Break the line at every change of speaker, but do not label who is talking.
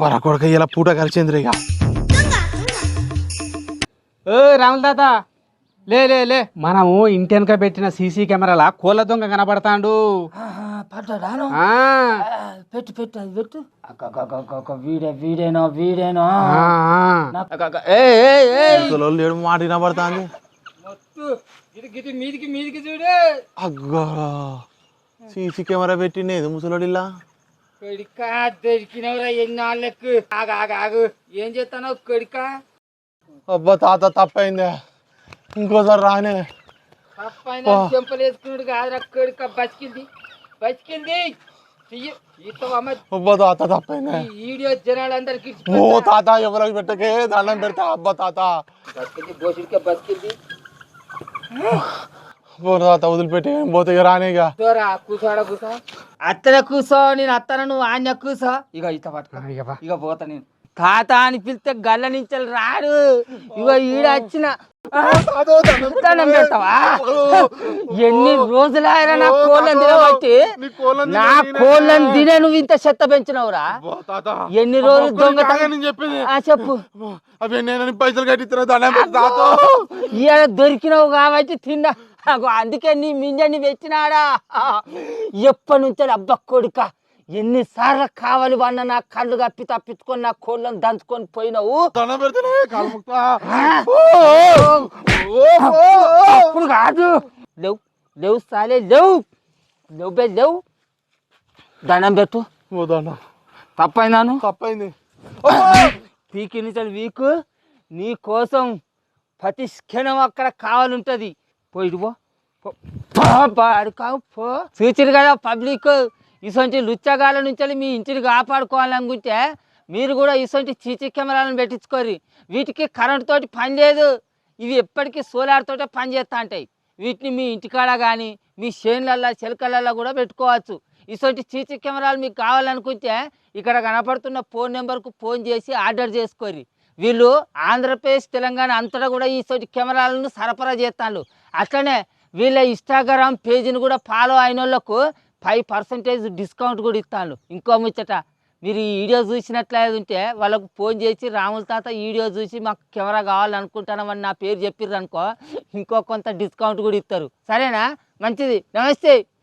కొడక ఇలా పూట కలిసింది ఇక.
రాముల తాత లే లే లే మనము ఇంటి వెనక పెట్టిన సీసీ కెమెరాల కోళ్ళ దొంగ కనబడతాడు.
పెట్టు పెట్టు అది పెట్టు. వీడేనో
లేడు మాట వినబడుతుంది.
మీదికి మీదికి చూడు.
అగ్గో సీసీ కెమెరా పెట్టిండేది ముసలోడిలా.
కొడికా దొరికినవరా ఎన్నాళ్ళకు. ఆగు ఏం చేస్తానో కొడికా.
అబ్బా తాత తప్పైందే, ఇంకోసారి రానే.
తప్పైనా చెంపలు వేసుకున్నాడు కాదురా కొడిక. బతికింది
అబ్బా తాత తప్పైందే.
వీడియో జనాలందరికి
ఓ తాత ఎవరికి పెట్టకే దండం పెడతా. అబ్బా తాత
బతికింది.
తాత వదిలిపెట్టి పోతే రానేగా.
కూర్చో అత్తనే కూర్చో. నేను అత్తన నువ్వు ఆన్య కూర్చో. ఇక ఇత పట్టుకో. ఇక పోతా నేను. తాత అని పిలిస్తే గల్ల నుంచి రాడు. ఇగో ఈడ వచ్చిన దండం పెడతావా? ఎన్ని రోజులైనా నా కోళ్ళని తినబట్టి నా కోళ్ళని తినే నువ్వు ఇంత చెత్త పెంచినవురా. ఎన్ని రోజులు దొంగ చెప్పు.
పైసలు కట్టిస్తున్నా
ఇవాళ దొరికినావు కాబట్టి తిన్నా. అందుకే నీ మింజని పెట్టినాడా. ఎప్పటి నుంచో అబ్బా కొడుక ఎన్నిసార్లు కావాలి వాడిన నా కళ్ళు కప్పి తప్పించుకొని నా కోళ్ళను దంచుకొని పోయినావు. అప్పుడు కాదు. లేవు సాలే లేవు. దండం పెట్టు.
తప్పైంది.
పీకి నుంచి వీకు నీ కోసం ప్రతి క్షణం అక్కడ కావాలంటది. పోయిడు పో. చూచిరు కదా పబ్లిక్. ఇటువంటి లుచ్చగాల నుంచి మీ ఇంటిని కాపాడుకోవాలనుకుంటే మీరు కూడా ఇటువంటి సీసీ కెమెరాలను పెట్టించుకోరు. వీటికి కరెంట్ తోటి పని లేదు. ఇవి ఎప్పటికీ సోలార్ తోటే పని చేస్తూ ఉంటాయి. వీటిని మీ ఇంటికాడ కానీ మీ చేనులల్లో చెలకలల్లో కూడా పెట్టుకోవచ్చు. ఇటువంటి సీసీ కెమెరాలు మీకు కావాలనుకుంటే ఇక్కడ కనపడుతున్న ఫోన్ నెంబర్కు ఫోన్ చేసి ఆర్డర్ చేసుకోరు. వీళ్ళు ఆంధ్రప్రదేశ్ తెలంగాణ అంతటా కూడా ఇటువంటి కెమెరాలను సరఫరా చేస్తాను. అట్లనే వీళ్ళ ఇన్స్టాగ్రామ్ పేజీని కూడా ఫాలో అయిన వాళ్ళకు 5% డిస్కౌంట్ కూడా ఇస్తాను. ఇంకో ముచ్చట, మీరు ఈ వీడియో చూసినట్లయితే వాళ్ళకు ఫోన్ చేసి రాముల తాత వీడియో చూసి మాకు కెమెరా కావాలనుకుంటున్నామని నా పేరు చెప్పిర్రు అనుకో, ఇంకో కొంత డిస్కౌంట్ కూడా ఇస్తారు. సరేనా? మంచిది. నమస్తే.